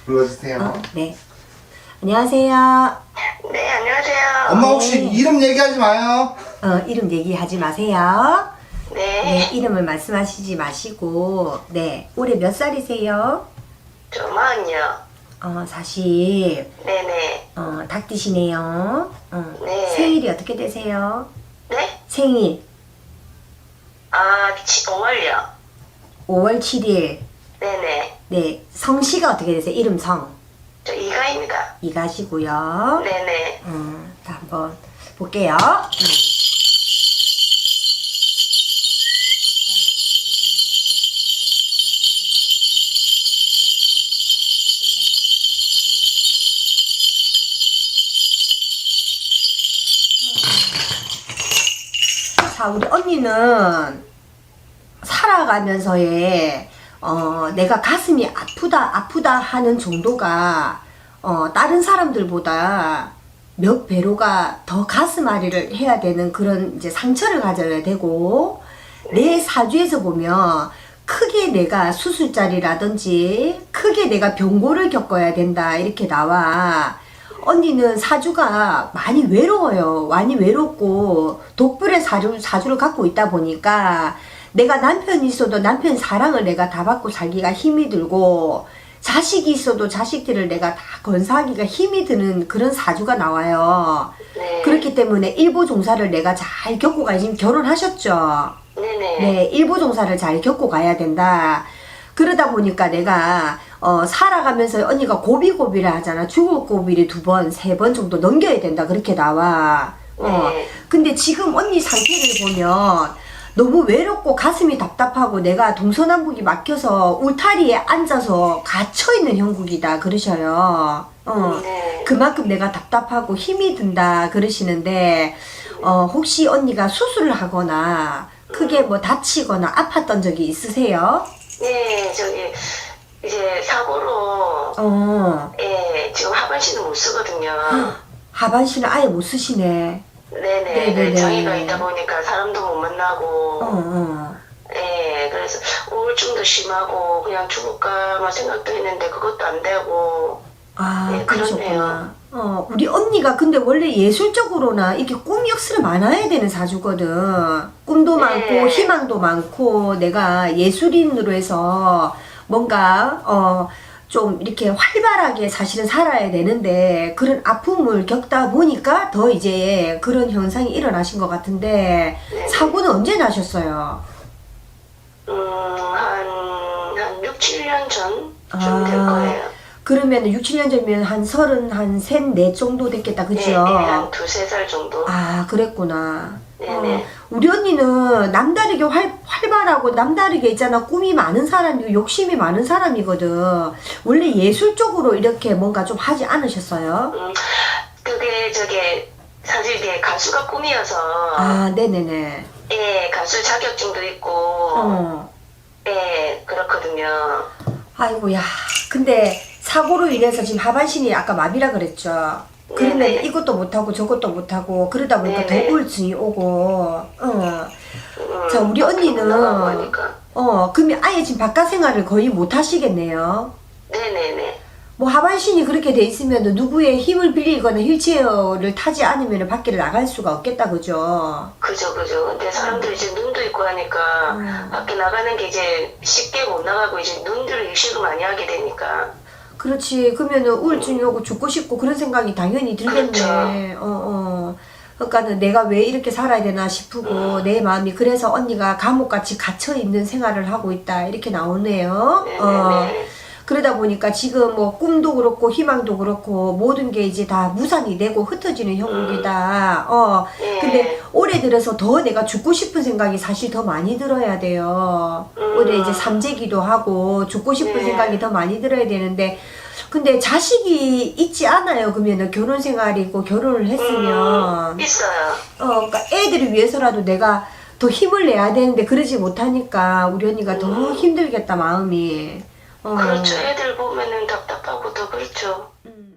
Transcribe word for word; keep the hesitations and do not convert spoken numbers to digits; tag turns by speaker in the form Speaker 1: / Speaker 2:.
Speaker 1: 불러주세요.
Speaker 2: 어, 네. 안녕하세요.
Speaker 3: 네, 안녕하세요.
Speaker 1: 엄마 혹시
Speaker 2: 네.
Speaker 1: 이름 얘기하지 마요.
Speaker 2: 어, 이름 얘기하지 마세요.
Speaker 3: 네,
Speaker 2: 네, 이름을 말씀하시지 마시고, 네, 올해 몇 살이세요?
Speaker 3: 저 마흔요.
Speaker 2: 어, 사실,
Speaker 3: 네네.
Speaker 2: 어, 닭띠시네요. 어,
Speaker 3: 네.
Speaker 2: 생일이 어떻게 되세요?
Speaker 3: 네?
Speaker 2: 생일,
Speaker 3: 아, 치, 오월요.
Speaker 2: 오월 칠일.
Speaker 3: 네네.
Speaker 2: 네, 성씨가 어떻게 되세요? 이름 성.
Speaker 3: 저 이가입니다.
Speaker 2: 이가시고요.
Speaker 3: 네네.
Speaker 2: 음, 자, 한번 볼게요. 음. 자, 우리 언니는 살아가면서의 어, 내가 가슴이 아프다 아프다 하는 정도가 어, 다른 사람들보다 몇 배로가 더 가슴앓이를 해야 되는 그런 이제 상처를 가져야 되고, 내 사주에서 보면 크게 내가 수술자리라든지 크게 내가 병고를 겪어야 된다 이렇게 나와. 언니는 사주가 많이 외로워요. 많이 외롭고 독불의 사주, 사주를 갖고 있다 보니까 내가 남편이 있어도 남편 사랑을 내가 다 받고 살기가 힘이 들고, 자식이 있어도 자식들을 내가 다 건사하기가 힘이 드는 그런 사주가 나와요.
Speaker 3: 네.
Speaker 2: 그렇기 때문에 일보 종사를 내가 잘 겪고 가야, 지금 결혼하셨죠?
Speaker 3: 네네.
Speaker 2: 네, 일보 종사를 잘 겪고 가야 된다. 그러다 보니까 내가 어, 살아가면서 언니가 고비고비를 하잖아. 죽을 고비를 두 번, 세 번 정도 넘겨야 된다. 그렇게 나와. 어.
Speaker 3: 네.
Speaker 2: 근데 지금 언니 상태를 보면 너무 외롭고 가슴이 답답하고 내가 동서남북이 막혀서 울타리에 앉아서 갇혀있는 형국이다 그러셔요. 어.
Speaker 3: 네.
Speaker 2: 그만큼 내가 답답하고 힘이 든다 그러시는데, 어, 혹시 언니가 수술을 하거나 크게 뭐 다치거나 아팠던 적이 있으세요?
Speaker 3: 네, 저기, 이제 사고로,
Speaker 2: 어.
Speaker 3: 예, 지금 하반신을 못 쓰거든요.
Speaker 2: 하반신을 아예 못 쓰시네.
Speaker 3: 네네.
Speaker 2: 네네네.
Speaker 3: 그 장애가 있다 보니까 사람도 못 만나고,
Speaker 2: 어, 어.
Speaker 3: 예, 그래서 우울증도 심하고, 그냥 죽을까만 생각도 했는데 그것도 안 되고,
Speaker 2: 아,
Speaker 3: 네,
Speaker 2: 그러셨구나.
Speaker 3: 그렇네요.
Speaker 2: 어, 우리 언니가 근데 원래 예술적으로나 이게 꿈 역사를 많아야 되는 사주거든. 꿈도
Speaker 3: 네.
Speaker 2: 많고 희망도 많고, 내가 예술인으로 해서 뭔가 어 좀 이렇게 활발하게 사실은 살아야 되는데, 그런 아픔을 겪다 보니까 더 이제 그런 현상이 일어나신 것 같은데,
Speaker 3: 네.
Speaker 2: 사고는 언제 나셨어요?
Speaker 3: 음, 한, 한 육, 칠 년 전쯤
Speaker 2: 아.
Speaker 3: 될 거예요.
Speaker 2: 그러면 육, 칠 년 전이면 한 서른, 한 셋, 넷 정도 됐겠다, 그죠?
Speaker 3: 네, 네, 한 두세 살 정도.
Speaker 2: 아, 그랬구나.
Speaker 3: 네네.
Speaker 2: 어, 우리 언니는 남다르게 활, 활발하고 남다르게 있잖아. 꿈이 많은 사람이고 욕심이 많은 사람이거든. 원래 예술 쪽으로 이렇게 뭔가 좀 하지 않으셨어요?
Speaker 3: 음, 그게 저게 사실 이게 가수가 꿈이어서
Speaker 2: 아, 네네네.
Speaker 3: 예, 가수 자격증도 있고
Speaker 2: 어.
Speaker 3: 예, 그렇거든요.
Speaker 2: 아이고, 야. 근데 사고로 인해서 지금 하반신이 아까 마비라 그랬죠. 그러면
Speaker 3: 네네.
Speaker 2: 이것도 못하고 저것도 못하고 그러다 보니까
Speaker 3: 네네.
Speaker 2: 더 우울증이 오고, 어.
Speaker 3: 음,
Speaker 2: 자, 우리
Speaker 3: 밖에 못 나가고
Speaker 2: 언니는,
Speaker 3: 하니까.
Speaker 2: 어, 그러면 아예 지금 바깥 생활을 거의 못 하시겠네요.
Speaker 3: 네네네.
Speaker 2: 뭐 하반신이 그렇게 돼 있으면 누구의 힘을 빌리거나 휠체어를 타지 않으면 밖에 나갈 수가 없겠다, 그죠?
Speaker 3: 그죠, 그죠. 근데 사람들이 이제 눈도 있고 하니까
Speaker 2: 음.
Speaker 3: 밖에 나가는 게 이제 쉽게 못 나가고 이제 눈들을 의식을 많이 하게 되니까.
Speaker 2: 그렇지. 그러면은 우울증이 오고 죽고 싶고 그런 생각이 당연히 들겠네.
Speaker 3: 그렇죠.
Speaker 2: 어, 어. 그러니까는 내가 왜 이렇게 살아야 되나 싶고, 내 마음이 그래서 언니가 감옥같이 갇혀있는 생활을 하고 있다. 이렇게 나오네요.
Speaker 3: 네네네.
Speaker 2: 어. 그러다 보니까 지금 뭐 꿈도 그렇고 희망도 그렇고 모든 게 이제 다 무산이 되고 흩어지는 형국이다. 어.
Speaker 3: 네.
Speaker 2: 근데 올해 들어서 더 내가 죽고 싶은 생각이 사실 더 많이 들어야 돼요.
Speaker 3: 음.
Speaker 2: 올해 이제 삼재기도 하고 죽고 싶은
Speaker 3: 네.
Speaker 2: 생각이 더 많이 들어야 되는데, 근데 자식이 있지 않아요. 그러면은 결혼 생활이고 결혼을 했으면
Speaker 3: 음, 있어요.
Speaker 2: 어, 그러니까 애들을 위해서라도 내가 더 힘을 내야 되는데 그러지 못하니까 우리 언니가 더
Speaker 3: 음.
Speaker 2: 힘들겠다, 마음이. 어.
Speaker 3: 그렇죠. 애들 보면은 답답하고 더 그렇죠.
Speaker 2: 음.